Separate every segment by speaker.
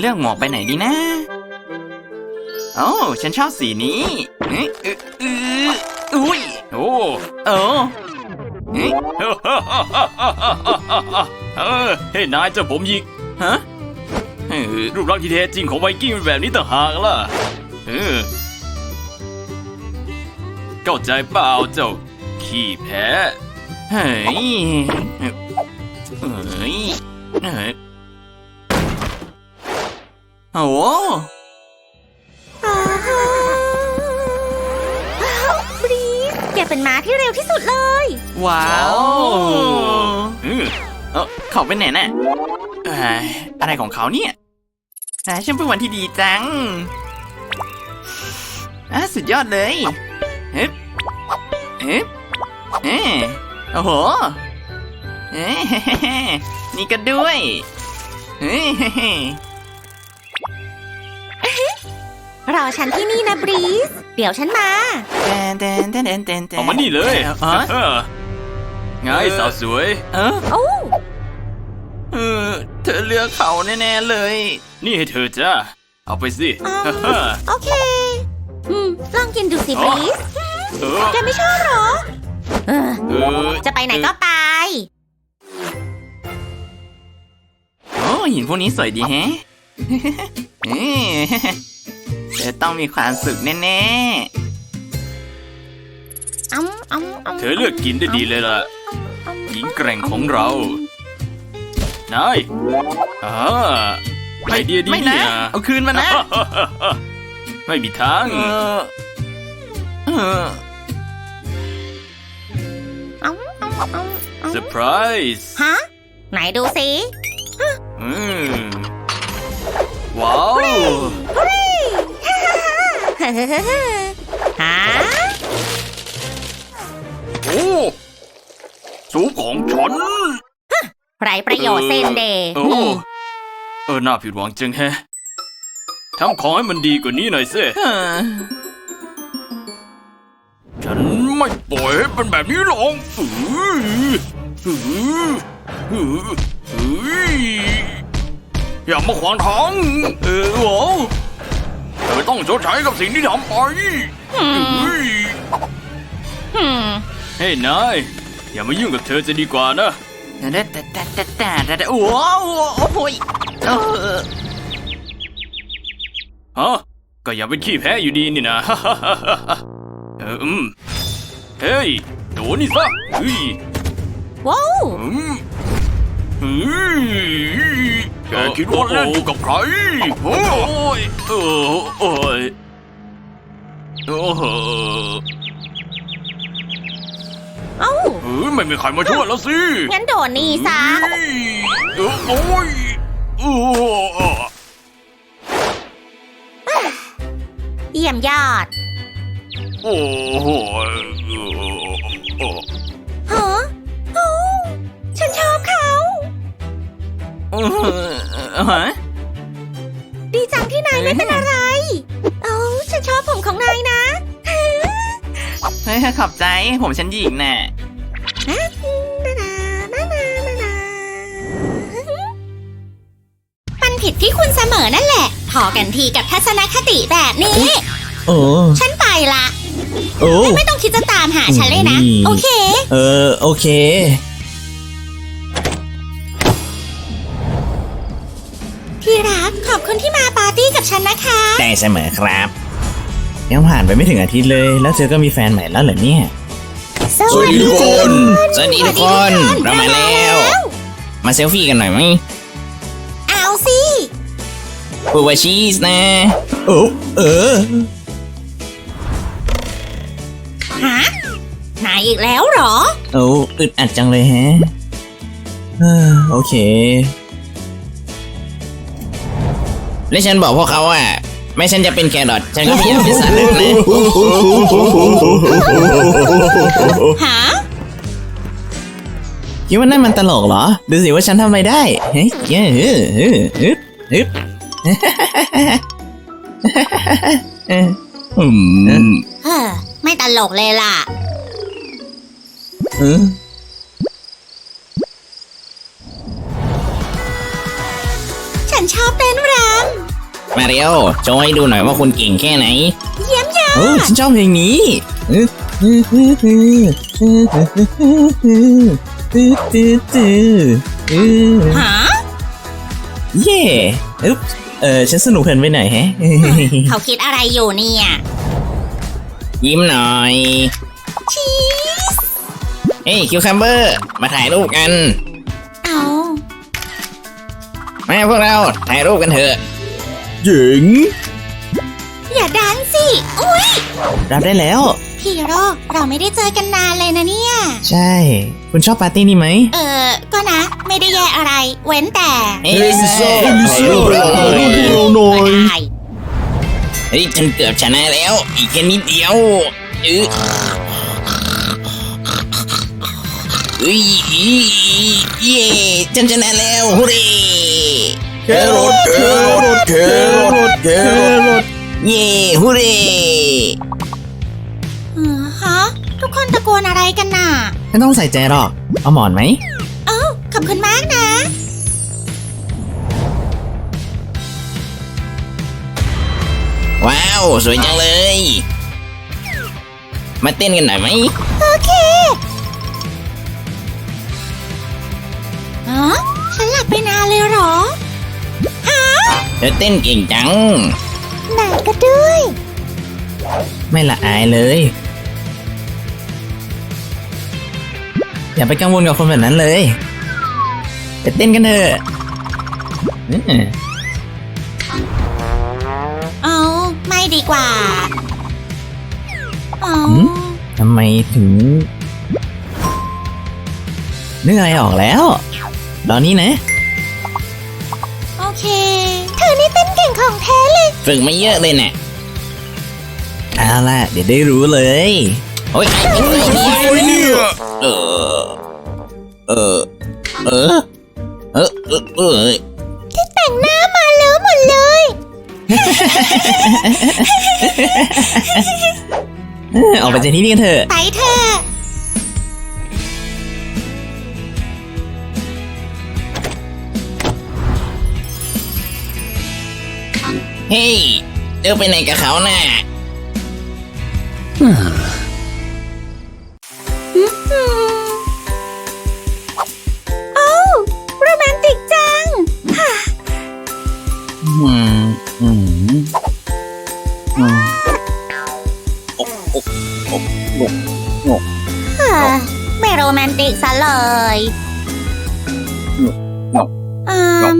Speaker 1: เลือกหมวกไปไหนดีนะโอ้ฉันชอบสีนี้อุ้ยโอ้เฮ้ยนายเจ้าผมหยิกฮะรูปร่างที่แท้จริงของไวกิ้งเป็นแบบนี้ต่างหากล่ะเข้าใจเปล่าเจ้าขี้แพ้เฮ้ยโอ้
Speaker 2: บรีสแกเป็นม้าที่เร็วที่สุดเลย
Speaker 1: ว้าวเขาเป็นไหนน่ะอะไรของเขาเนี่ยฉันเป็นวันที่ดีจังสุดยอดเลยโอ้โหนี่ก็ด้วย
Speaker 2: รอฉันที่นี่นะบรีสเดี๋ยวฉันมา
Speaker 1: เอามานี่เลยไงสาวสวยเธอเลือกเขาแน่ๆเลยนี่ให้เธอจ้าเอาไปสิ
Speaker 2: โอเคลองกินดูสิบรีสแกไม่ชอบหรอจะไปไหนก็ไป
Speaker 1: หินพวกนี้สวยดีแฮะเธอต้องมีความสุขแน่ๆเธอเลือกกินได้ดีเลยล่ะหญิงแกร่งของเรานายไอเดียดีเนี่ยเอาคืนมานะไม่มีทางเซอร์ไพรส์
Speaker 2: ฮะไหนดูสิ
Speaker 1: ว้าว
Speaker 2: ฮะ
Speaker 1: โอ้สูบของฉัน
Speaker 2: ไรประโยชน์เซนเดย์
Speaker 1: น่าผิดหวังจังแฮะทำของให้มันดีกว่านี้หน่อยสิฉันไม่ปล่อยให้เป็นแบบนี้หรอกอย่ามาขวางทางโว้เธอต้องชดใช้กับสิ่งที่ทำไปเฮ้ยนายอย่ามายุ่งกับเธอจะดีกว่านะโอ้โหก็อย่าเป็นขี้แพ้อยู่ดีนี่นะเฮ้ยโดนนี่ซะ
Speaker 2: ว้าว
Speaker 1: แกคิดว่าเล่นกับใครโอ้ยไม่มีใครมาช่วยแล้วสิ
Speaker 2: งั้นโดนนี่ซะเยี่ยมยอด
Speaker 1: โอ้โห
Speaker 2: ฮะฉันชอบเขาดีจังที่นายไม่เป็นอะไรฉันชอบผมของนายนะ
Speaker 1: ขอบใจผมฉันหญิงน่ะ
Speaker 2: มันผิดที่คุณเสมอนั่นแหละพอกันทีกับทัศนคติแบบนี้ฉันไปละไม่ต้องคิดจะตามหาฉันเลยนะโอเค
Speaker 3: โอเค
Speaker 2: ที่รักขอบคุณที่มาปาร์ตี้กับฉันนะคะ
Speaker 3: ได้เสมอครับยังผ่านไปไม่ถึงอาทิตย์เลยแล้วเธอก็มีแฟนใหม่แล้วเหรอเนี่ย
Speaker 2: สวัสดีทุกคน
Speaker 3: เรามาแล้วมาเซลฟี่กันหน่อยไหม
Speaker 2: เอาสิ
Speaker 3: บูวาชีสนะ
Speaker 2: ฮะนายอีกแล้วเหรอ
Speaker 3: อึดอัดจังเลยฮะโอเคแล้วฉันบอกพวกเขาว่าไม่ฉันจะเป็นแครอทฉันก็ไม่อยากเป็นสัตว์นะ
Speaker 2: ฮะ
Speaker 3: คิดว่านั่นมันตลกเหรอดูสิว่าฉันทำอะไรได้เฮ้ย
Speaker 2: ไม่ตลกเลยล่ะฉฉันชอบเต้นร
Speaker 3: มาเร็วโชว์ให้ดูหน่อยว่าคุณเก่งแค่ไหน
Speaker 2: ำเยี่ยมยอ
Speaker 3: โอ้
Speaker 2: ด
Speaker 3: ฉันชอบเพลงนี้
Speaker 2: ฮะ
Speaker 3: เย่อึ๊บฉันสนุกเพลินไปหน่อยแฮะ
Speaker 2: เขาคิดอะไรอยู่เนี่ย
Speaker 3: ยิ้มหน่อย
Speaker 2: ชีส
Speaker 3: เฮ้ยคิวคัมเบอร์มาถ่ายรูปกัน
Speaker 2: เอา
Speaker 3: มาพวกเราถ่ายรูปกันเถอะหญิง
Speaker 2: อย่าดันสิ อุ้ย
Speaker 3: รับได้แล้ว
Speaker 2: ฮีโร่เราไม่ได้เจอกันนานเลยนะเนี่ย
Speaker 3: ใช่ คุณชอบปาร์ตี้นี่ไหม
Speaker 2: ก็นะ ไม่ได้แย่อะไร เว้นแต่
Speaker 3: เฮ้ยลิซ่า
Speaker 4: ถ่ายรูปเราหน่อย
Speaker 2: ได้
Speaker 3: เฮ้ยฉันเกือบชนะแล้ว อีกแค่นิดเดียวเอ้ยเย่ฉันชนะแล้วฮูเร่
Speaker 4: แครอทแครอทแครอทแครอท
Speaker 3: เย่ฮูเร่
Speaker 2: ฮะ ทุกคนตะโกนอะไรกันน่ะ
Speaker 3: ไม่ต้องใส่ใจหรอก เอาหมอนไหม
Speaker 2: เอ้าขอบคุณมากนะ
Speaker 3: ว้าว สวยจังเลย มาเต้นกันหน่อยไหม
Speaker 2: โอเคอ๋อฉันหลับไปนานเลยเหรอ
Speaker 3: เธอเต้นเก่งจัง
Speaker 2: ไหนก็ด้วย
Speaker 3: ไม่ละอายเลย อย่าไปกังวลกับคนแบบนั้นเลยไปเต้นกันเถอะอืม
Speaker 2: เอาไม่ดีกว่าเอา
Speaker 3: ทำไมถึงนึกอะไรออกแล้วตอนนี้นะ
Speaker 2: โอเค เธอนี่เต้นเก่งของแท้เลย
Speaker 3: ฝึกมาเยอะเลยเนี่ยเอาล่ะ เดี๋ยวได้รู้เลย โอ้ยไอ้เป็นไงเนี่ยเออ เออ เออ เออ เออ เออ
Speaker 2: ที่แต่งหน้ามาเลอะหมดเลย
Speaker 3: ออกไปจากที่นี่กันเถอะ
Speaker 2: ไปเถอะ
Speaker 3: เฮ้ยเดินไปไหนกับเขาน่ะ
Speaker 2: โอ้โรแมนติกจัง
Speaker 3: อืม อืม อืมโอ้โอ้โอ้โง่
Speaker 2: ไม่โรแมนติกซะเลย
Speaker 3: โง่
Speaker 2: อืม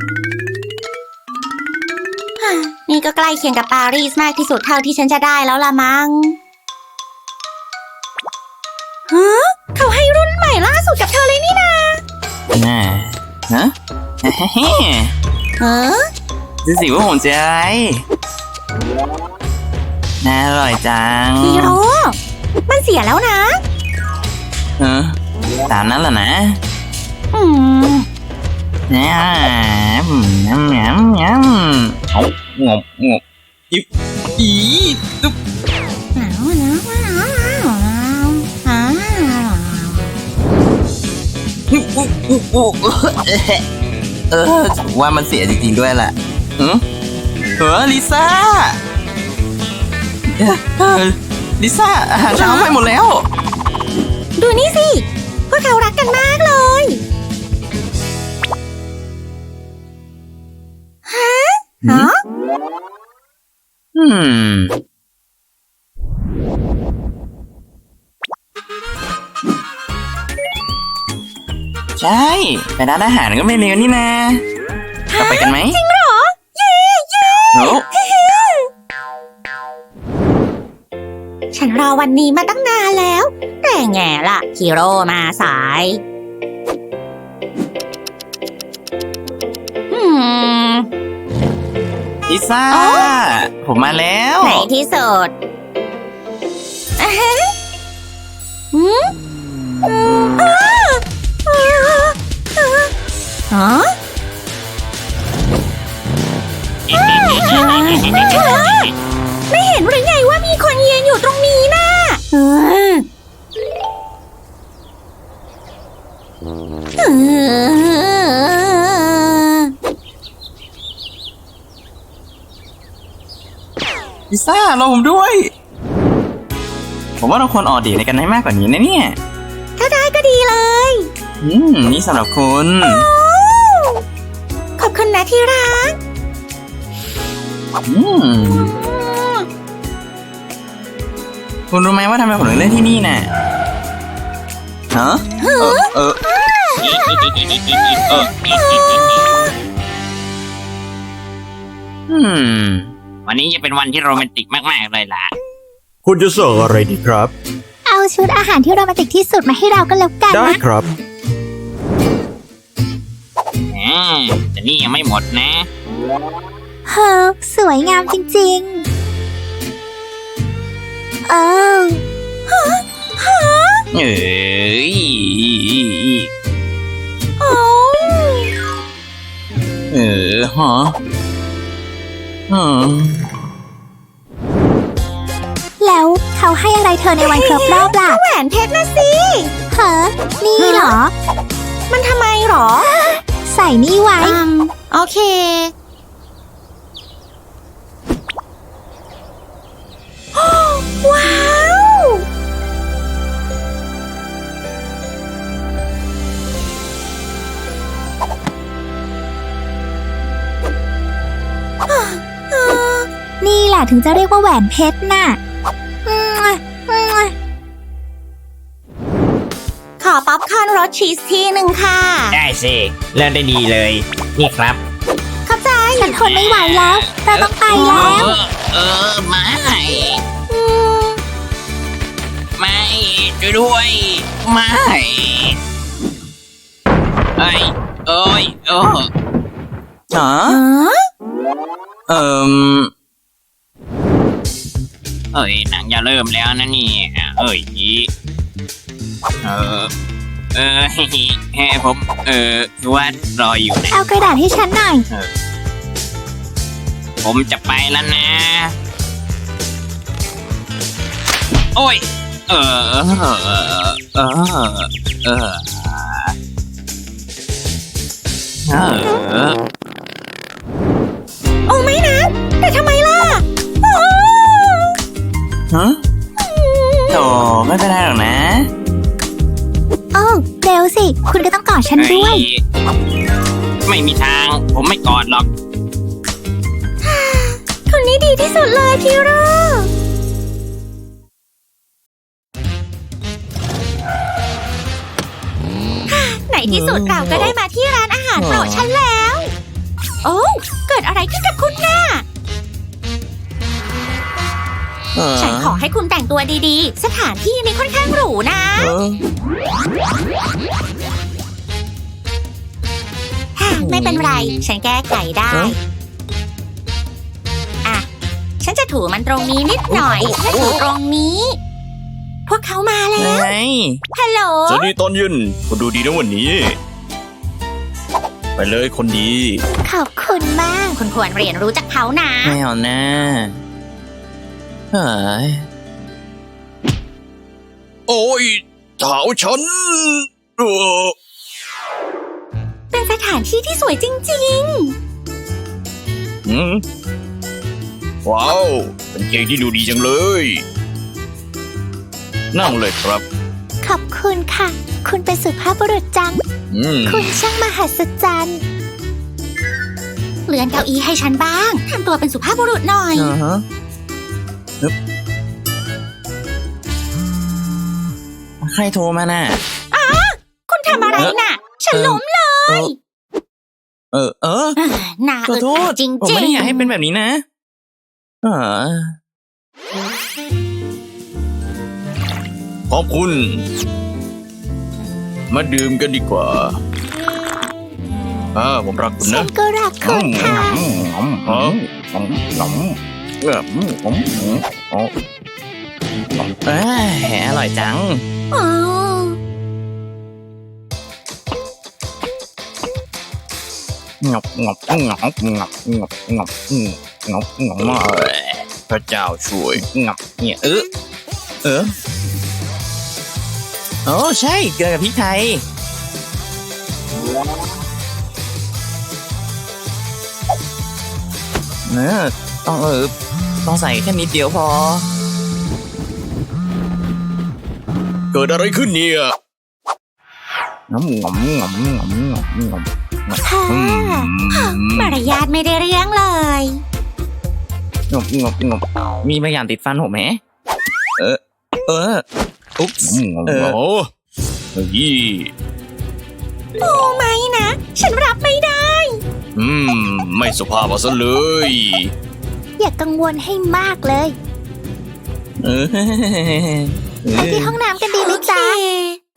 Speaker 2: ฮ่านี่ก็ใกล้เคียงกับปารีสมากที่สุดเท่าที่ฉันจะได้แล้วละมั้งฮะเขาให้รุ่นใหม่ล่าสุดกับเธอเลยนี่นา
Speaker 3: น่าฮะเฮ้
Speaker 2: เออ
Speaker 3: ดูสิว่าผมจะอะไรน่าอร่อยจัง
Speaker 2: ฮีโร่มันเสียแล้วนะ
Speaker 3: ตามนั้นแหละนะ
Speaker 2: อืม
Speaker 3: เนี่ยน้ำน้ำน้ำเอางบงบอิบอีตุ๊บว่ามันเสียจริงๆด้วยแหละลิซ่าลิซ่าอาหารเช้าไปหมดแล้ว
Speaker 2: ดูนี่สิ พวกเขารักกันมากเลย ฮะ
Speaker 3: อืม ใช่ไปร้านอาหารก็ไม่เลวนี่นะเราไปกันไหม
Speaker 2: จริงเหรอ เย้เย้
Speaker 3: โอ้
Speaker 2: ฉันรอวันนี้มาตั้งนานแล้ว แต่แง่ล่ะฮีโร่มาสายม
Speaker 3: ลิซ่า ผมมาแล้ว
Speaker 2: ในที่สุดอ่ะฮะหืมฮะไม่เห็นหรือไงว่ามีคนยืนอยู่ตรงนี้น่ะ
Speaker 3: พิซซ่ารอผมด้วย ผมว่าเราควรออกเดทในกันให้มากกว่านี้นะเนี่ย
Speaker 2: ถ้าได้ก็ดีเลย
Speaker 3: นี่สำหรับคุณ
Speaker 2: ขอบคุณนะที่รัก
Speaker 3: คุณรู้ไหมว่าทำไมผมถึงเลือกที่นี่น่ะฮะ
Speaker 1: วันนี้จะเป็นวันที่โรแมนติกมากๆเลยล่ะ
Speaker 4: คุณจะสั่งอะไรดีครับ
Speaker 2: เอาชุดอาหารที่โรแมนติกที่สุดมาให้เราก็แล้วกัน
Speaker 4: ได้
Speaker 2: นะครับ
Speaker 1: แต่นี่ยังไม่หมดนะ
Speaker 2: เฮ้อสวยงามจริงๆเอ้
Speaker 3: เอ้ย
Speaker 2: โอ้
Speaker 3: ฮะ
Speaker 2: แล้วเขาให้อะไรเธอในวันครบรอบล่ะแหวนเพชรนะสิเฮ้อนี่เหรอ มันทำไมหรอ ใส่นี่ไว้โอเค ว้าว นี่แหละถึงจะเรียกว่าแหวนเพชรน่ะ ขอป๊อปคอร์นรสชีสที่หนึ่งค่ะ
Speaker 1: ได้สิเริ่มได้ดีเลย นี่ครับ
Speaker 2: ขอบใจ ฉันทนไม่ไหวแล้ว เราต้องไปแล้ว
Speaker 1: ไม่ไม่ช่วยด้วยไม่เอ้ยเอ้ยเอ้ยหนังจะเริ่มแล้วนะนี่ผมว่ารออยู่นะ
Speaker 2: เอากระดาษให้ฉันหน่อย
Speaker 1: ผมจะไปแล้วนะ โอ้ย
Speaker 2: โอ้ไม่นะแต่ทำไมล่ะ
Speaker 3: ฮะโธ่ไม่เป็นไรหรอกนะ
Speaker 2: โอ้เร็วสิ คุณก็ต้องกอดฉันด้วย
Speaker 1: ไม่มีทาง ผมไม่กอดหรอก
Speaker 2: คนนี้ดีที่สุดเลยพี่โรในที่สุดเราก็ได้มาที่ร้านอาหารโปรดฉันแล้ว โอ้เกิดอะไรขึ้นกับคุณน่ะ ฉันขอให้คุณแต่งตัวดีๆ สถานที่นี้ค่อนข้างหรูนะไม่เป็นไร ฉันแก้ไขได้อ่ะฉันจะถูมันตรงนี้นิดหน่อยและถูตรงนี้ พวกเขามาแล้ว ฮัลโหล
Speaker 4: สวัสดีตอนเย็นคุณดูดีนะวันนี้ ไปเลยคนดี
Speaker 2: ขอบคุณมาก คุณควรเรียนรู้จากเขานะ
Speaker 3: ไม่เอานะเฮ้ย
Speaker 4: โอ้ยเท้าฉัน
Speaker 2: เป็นสถานที่ที่สวยจริง
Speaker 4: ว้าว เป็นเค้กที่ดูดีจังเลย นั่งเลยครับ
Speaker 2: ๆ ขอบคุณค่ะ คุณเป็นสุภาพบุรุษจัง คุณช่างมหัศจรรย์เลื่อนเก้าอี้ให้ฉันบ้างทำตัวเป็นสุภาพบุรุษหน่อย
Speaker 3: ใครโทรมาน่ะ
Speaker 2: คุณทำอะไรน่ะ ฉันล้มเลย น่า
Speaker 3: ขอโทษ
Speaker 2: จริง
Speaker 3: ผมไม่ได้อยากให้เป็นแบบนี้นะ
Speaker 4: ขอบคุณ มาดื่มกันดีกว่าผมรักคุณ
Speaker 2: ฉั
Speaker 4: นะ
Speaker 2: นก็รักคุณค่ะ
Speaker 3: อร่อยจัง
Speaker 2: อ๋อ
Speaker 4: งับพระเจ้าช่วยงับเนี่ย
Speaker 3: โอ้ใช่เกลือกับพริกไทยต้องต้องใส่แค่นิดเดียวพอ
Speaker 4: เกิดอะไรขึ้นเนี่ย
Speaker 3: งำงำงำงำงำงำ
Speaker 2: ค่ะมารยาทไม่ได้เรื่องเลย
Speaker 3: งำงำงำมีบางอย่างติดฟันผมไหมอุ๊บส์
Speaker 4: โอ้เฮ้ย
Speaker 2: โอ้ไม่นะ ฉันรับไม่ได้
Speaker 4: ไม่สุภาพเอาซะเลย
Speaker 2: อย่ากังวลให้มากเลย ไปที่ห้องน้ำกันดีไหมจ๊ะโอ้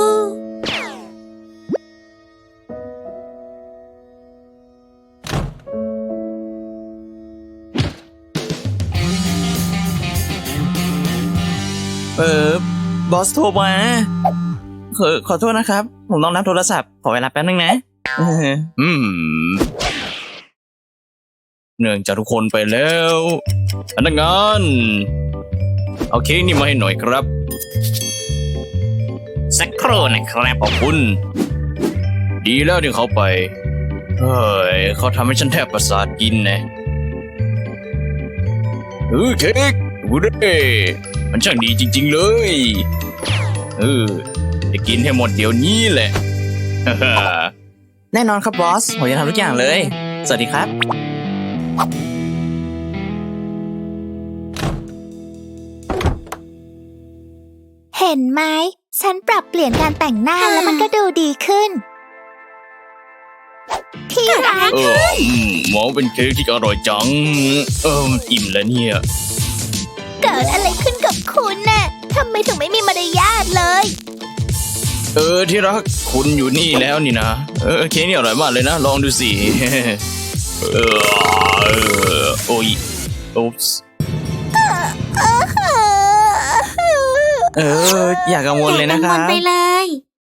Speaker 3: บอสโทรมาขอโทษนะครับ ผมต้องรับโทรศัพท์ ขอเวลาแป๊บนึงนะ
Speaker 4: เนื่องจากทุกคนไปแล้วพนักงานเอาเค้กนี่มาให้หน่อยครับ
Speaker 3: สักครู่นะครับ
Speaker 4: ขอบคุณ ดีแล้วที่เขาไปเฮ้ยเขาทำให้ฉันแทบประสาทกินนะเค้กดูดิมันช่างดีจริงๆเลยจะกินให้หมดเดี๋ยวนี้แหละ
Speaker 3: แน่นอนครับบอส ผมจะทำทุกอย่างเลย สวัสดีครับ
Speaker 2: เห็นไหม ฉันปรับเปลี่ยนการแต่งหน้าแล้วมันก็ดูดีขึ้น ที่ร้าน
Speaker 4: หมอเป็นเค้กที่อร่อยจัง อิ่มแล้วเนี่ย
Speaker 2: เกิดอะไรขึ้นกับคุณน่ะทำไมถึงไม่มีมารยาทเลย
Speaker 4: ที่รักคุณอยู่นี่แล้วนี่นะเค้กนี่อร่อยมากเลยนะ ลองดูสิ โอ้ยอุ๊ปส์
Speaker 3: อย่ากังวลเลยนะค
Speaker 2: อย่ากังว
Speaker 3: รั
Speaker 2: ล
Speaker 3: บ
Speaker 2: ไปเลย